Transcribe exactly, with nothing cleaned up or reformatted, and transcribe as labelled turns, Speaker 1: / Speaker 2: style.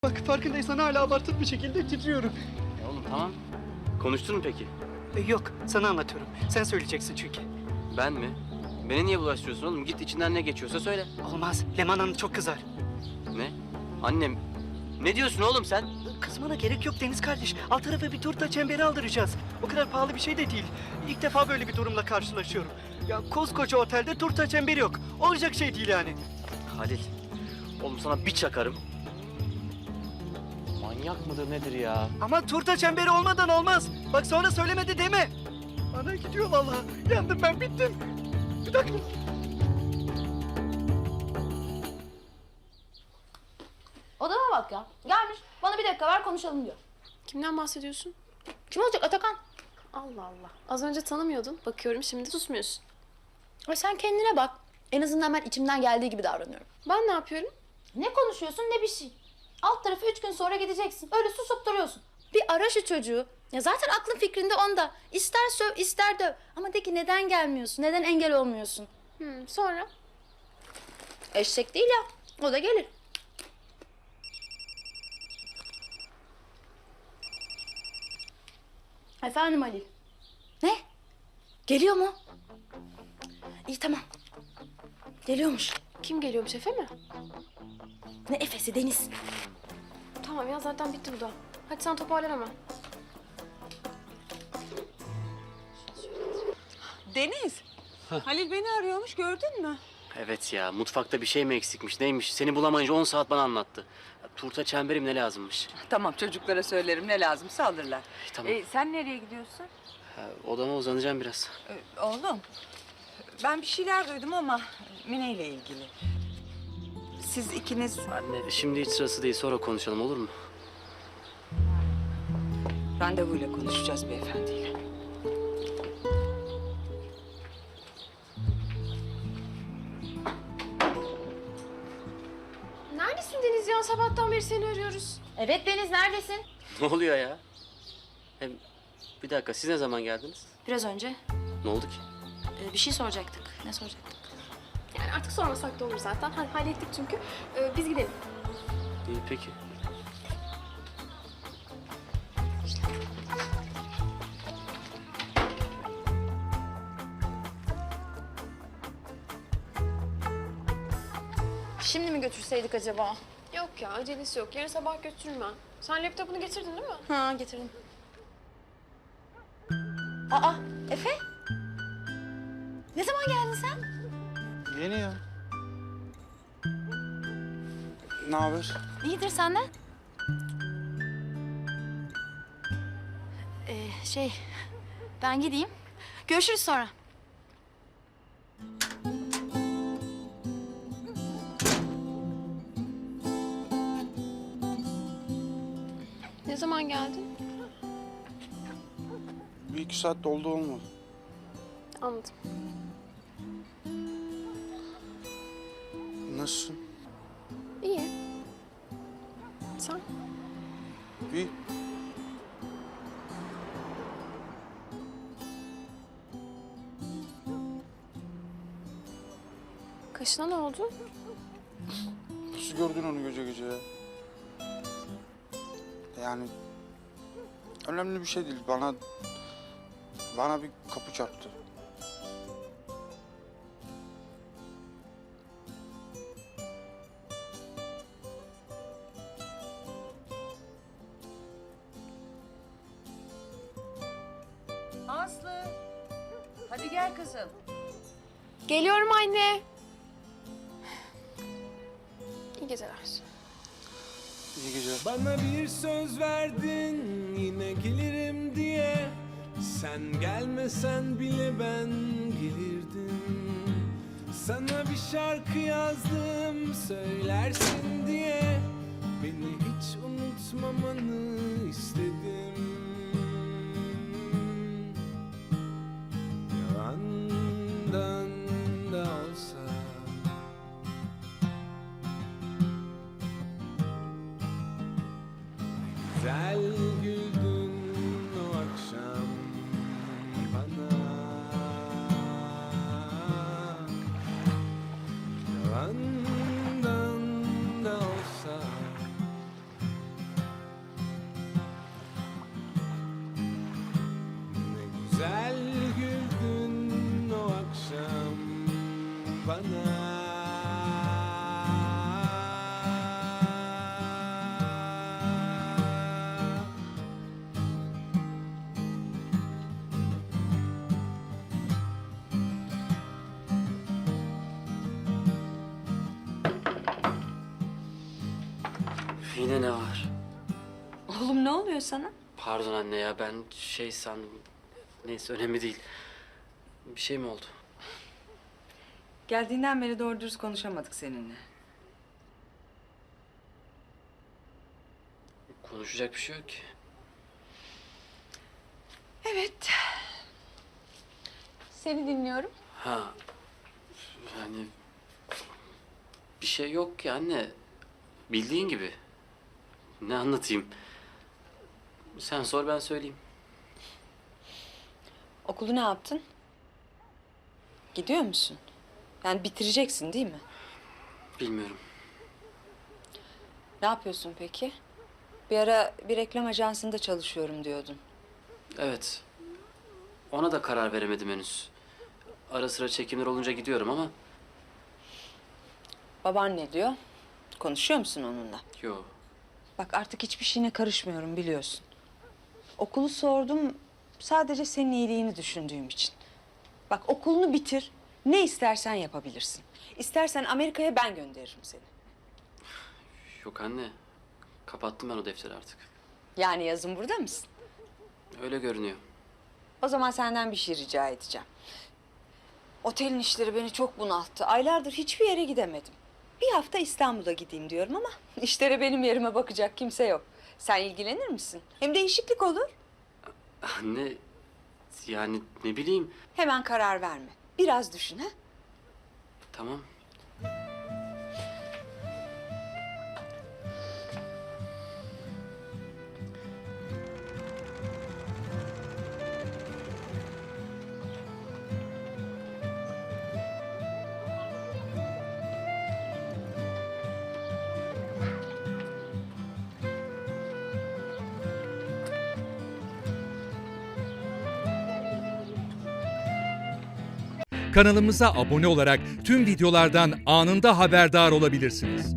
Speaker 1: Bak farkındaysan hala abartılı bir şekilde titriyorum.
Speaker 2: Ya oğlum tamam. Konuştun mu peki?
Speaker 1: E, yok sana anlatıyorum. Sen söyleyeceksin çünkü.
Speaker 2: Ben mi? Beni niye bulaştırıyorsun oğlum? Git içinden ne geçiyorsa söyle.
Speaker 1: Olmaz. Leman Hanım çok kızar.
Speaker 2: Ne? Annem. Ne diyorsun oğlum sen?
Speaker 1: Kızmana gerek yok Deniz kardeş. Alt tarafa bir turta çemberi aldıracağız. O kadar pahalı bir şey de değil. İlk defa böyle bir durumla karşılaşıyorum. Ya koskoca otelde turta çemberi yok. Olacak şey değil yani.
Speaker 2: Halil. Oğlum sana bir çakarım. Manyak mıdır nedir ya?
Speaker 1: Ama turta çemberi olmadan olmaz. Bak sonra söylemedi deme. Ana gidiyor vallahi. Yandım ben bittim. Bir dakika.
Speaker 3: Odama bak ya. Gelmiş. Bana bir dakika ver konuşalım diyor.
Speaker 4: Kimden bahsediyorsun?
Speaker 3: Kim olacak? Atakan.
Speaker 4: Allah Allah. Az önce tanımıyordun. Bakıyorum şimdi susmuyorsun.
Speaker 3: Ay sen kendine bak. En azından ben içimden geldiği gibi davranıyorum.
Speaker 4: Ben ne yapıyorum?
Speaker 3: Ne konuşuyorsun ne bir şey. Alt tarafı üç gün sonra gideceksin. Öyle susup duruyorsun. Bir ara şu çocuğu. Ya zaten aklın fikrinde onda. İster söv ister döv. Ama de ki neden gelmiyorsun? Neden engel olmuyorsun?
Speaker 4: Hmm, sonra?
Speaker 3: Eşek değil ya. O da gelir. Efendim Halil. Ne? Geliyor mu? İyi tamam. Geliyormuş.
Speaker 4: Kim geliyormuş, Efe mi?
Speaker 3: Ne Efe'si Deniz.
Speaker 4: Tamam ya, zaten bitti bu da. Hadi sen toparlan hemen.
Speaker 5: Deniz, Halil beni arıyormuş, gördün mü?
Speaker 2: Evet ya, mutfakta bir şey mi eksikmiş neymiş? Seni bulamayınca on saat bana anlattı. Ya, turta çemberim ne lazımmış?
Speaker 5: Tamam, çocuklara söylerim ne lazımsa alırlar.
Speaker 2: Tamam.
Speaker 5: Ee, sen nereye gidiyorsun?
Speaker 2: Ha, odama uzanacağım biraz.
Speaker 5: Ee, oğlum, ben bir şeyler duydum ama Mine ile ilgili. Siz ikiniz...
Speaker 2: Anne, şimdi hiç sırası değil, sonra konuşalım olur mu?
Speaker 5: Randevuyla konuşacağız beyefendiyle.
Speaker 4: Neredesin Deniz ya? Sabahtan beri seni arıyoruz.
Speaker 3: Evet Deniz neredesin?
Speaker 2: Ne oluyor ya? Hem bir dakika, siz ne zaman geldiniz?
Speaker 3: Biraz önce
Speaker 2: Ne oldu ki?
Speaker 3: e, bir şey soracaktık. Ne soracaktık?
Speaker 4: Yani artık sormasak da olur zaten. Hadi hallettik çünkü. Ee, biz gidelim.
Speaker 2: İyi peki.
Speaker 3: Şimdi mi götürseydik acaba?
Speaker 4: Yok ya, acelesi yok. Yarın sabah götürürüm ben. Sen laptopunu getirdin değil mi?
Speaker 3: Ha getirdim. Aa Efe? Ne zaman geldin sen?
Speaker 6: Yeni ya. Ne haber?
Speaker 3: İyidir senden. Ee, şey ben gideyim. Görüşürüz sonra.
Speaker 4: Ne zaman geldin?
Speaker 6: Bir iki saat doldu olmadı.
Speaker 4: Anladım.
Speaker 6: Nasılsın?
Speaker 4: İyi. Sen?
Speaker 6: İyi.
Speaker 4: Kaşına ne oldu?
Speaker 6: Nasıl gördün onu gece gece ya? Yani önemli bir şey değil. Bana bana bir kapı çarptı.
Speaker 5: Aslı, hadi gel kızım.
Speaker 4: Geliyorum anne. İyi geceler.
Speaker 6: İyi geceler.
Speaker 7: Bana bir söz verdin yine gelirim diye. Sen gelmesen bile ben gelirdim. Sana bir şarkı yazdım söylersin diye. Beni hiç unutmamanı istedim. Yalandan da olsa. Güzel güldün o akşam bana. Yalandan da olsa bana.
Speaker 2: Yine ne var?
Speaker 5: Oğlum ne oluyor sana?
Speaker 2: Pardon anne ya, ben şey sandım. Neyse, önemli değil. Bir şey mi oldu?
Speaker 5: Geldiğinden beri doğru dürüst konuşamadık seninle.
Speaker 2: Konuşacak bir şey yok ki.
Speaker 5: Evet. Seni dinliyorum.
Speaker 2: Ha, yani bir şey yok ki anne. Bildiğin gibi. Ne anlatayım? Sen sor, ben söyleyeyim.
Speaker 5: Okulu ne yaptın? Gidiyor musun? Yani bitireceksin değil mi?
Speaker 2: Bilmiyorum.
Speaker 5: Ne yapıyorsun peki? Bir ara bir reklam ajansında çalışıyorum diyordun.
Speaker 2: Evet. Ona da karar veremedim henüz. Ara sıra çekimler olunca gidiyorum ama
Speaker 5: Baban ne diyor? Konuşuyor musun onunla?
Speaker 2: yo.
Speaker 5: Bak artık hiçbir şeyine karışmıyorum biliyorsun. Okulu sordum sadece senin iyiliğini düşündüğüm için. Bak okulunu bitir, ne istersen yapabilirsin. İstersen Amerika'ya ben gönderirim seni.
Speaker 2: Yok anne. Kapattım ben o defteri artık.
Speaker 5: Yani yazın burada mısın?
Speaker 2: Öyle görünüyor.
Speaker 5: O zaman senden bir şey rica edeceğim. Otelin işleri beni çok bunalttı. Aylardır hiçbir yere gidemedim. Bir hafta İstanbul'a gideyim diyorum ama işlere benim yerime bakacak kimse yok. Sen ilgilenir misin? Hem değişiklik olur.
Speaker 2: Anne, yani ne bileyim.
Speaker 5: Hemen karar verme. Biraz düşün ha.
Speaker 2: Tamam.
Speaker 8: Kanalımıza abone olarak tüm videolardan anında haberdar olabilirsiniz.